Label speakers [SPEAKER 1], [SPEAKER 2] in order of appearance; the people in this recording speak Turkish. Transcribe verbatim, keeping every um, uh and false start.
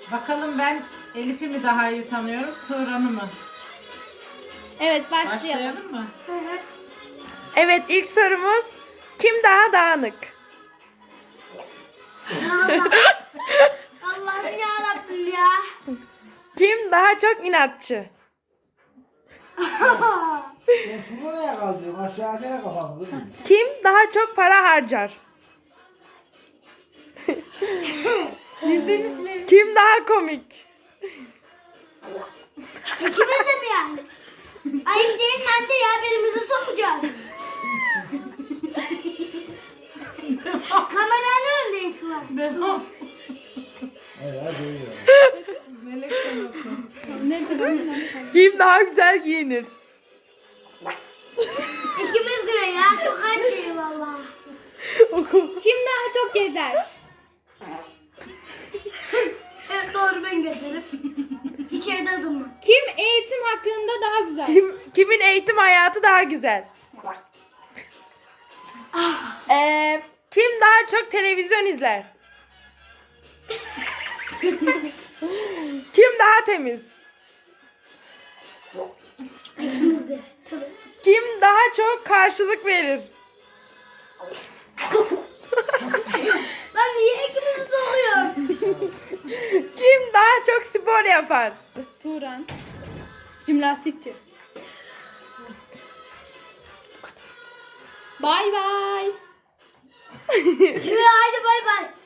[SPEAKER 1] Bakalım ben Elif'i mi daha iyi tanıyorum, Turan'ı mı?
[SPEAKER 2] Evet başlayalım.
[SPEAKER 1] Başlayalım mı?
[SPEAKER 3] Hı hı.
[SPEAKER 4] Evet, ilk sorumuz kim daha dağınık?
[SPEAKER 3] Allah. Allah'ım yarabbim ya.
[SPEAKER 4] Kim daha çok inatçı?
[SPEAKER 5] Ben şunu neye kaldırıyorum? Aşağıya kafamı değil mi?
[SPEAKER 4] Kim daha çok para harcar?
[SPEAKER 2] Yüzlerini silelim.
[SPEAKER 4] Kim daha komik?
[SPEAKER 3] İkimiz de mi yani? Ayıp değil mi anne ya? Birimizi sokacağız. Kameranın önündeyim şu an.
[SPEAKER 1] Devam.
[SPEAKER 5] Evet, değil ya.
[SPEAKER 1] Melek sen oku.
[SPEAKER 2] Ne kadar?
[SPEAKER 4] Kim daha güzel giyinir?
[SPEAKER 3] İkimiz de ya. Çok ayıp değil valla.
[SPEAKER 4] Oku.
[SPEAKER 2] Kim daha çok gezer?
[SPEAKER 3] Evet doğru ben götürürüm. İçeride durma.
[SPEAKER 2] Kim eğitim hakkında daha güzel?
[SPEAKER 4] Kim, kimin eğitim hayatı daha güzel? Ee, kim daha çok televizyon izler? Kim daha temiz?
[SPEAKER 3] İkimiz de. Tabii.
[SPEAKER 4] Kim daha çok karşılık verir?
[SPEAKER 3] Lan niye ikimizi sokuyorsun?
[SPEAKER 4] Kim daha çok spor yapar?
[SPEAKER 2] Turan. Jimnastikçi. Bay bay.
[SPEAKER 3] Evet haydi bay bay.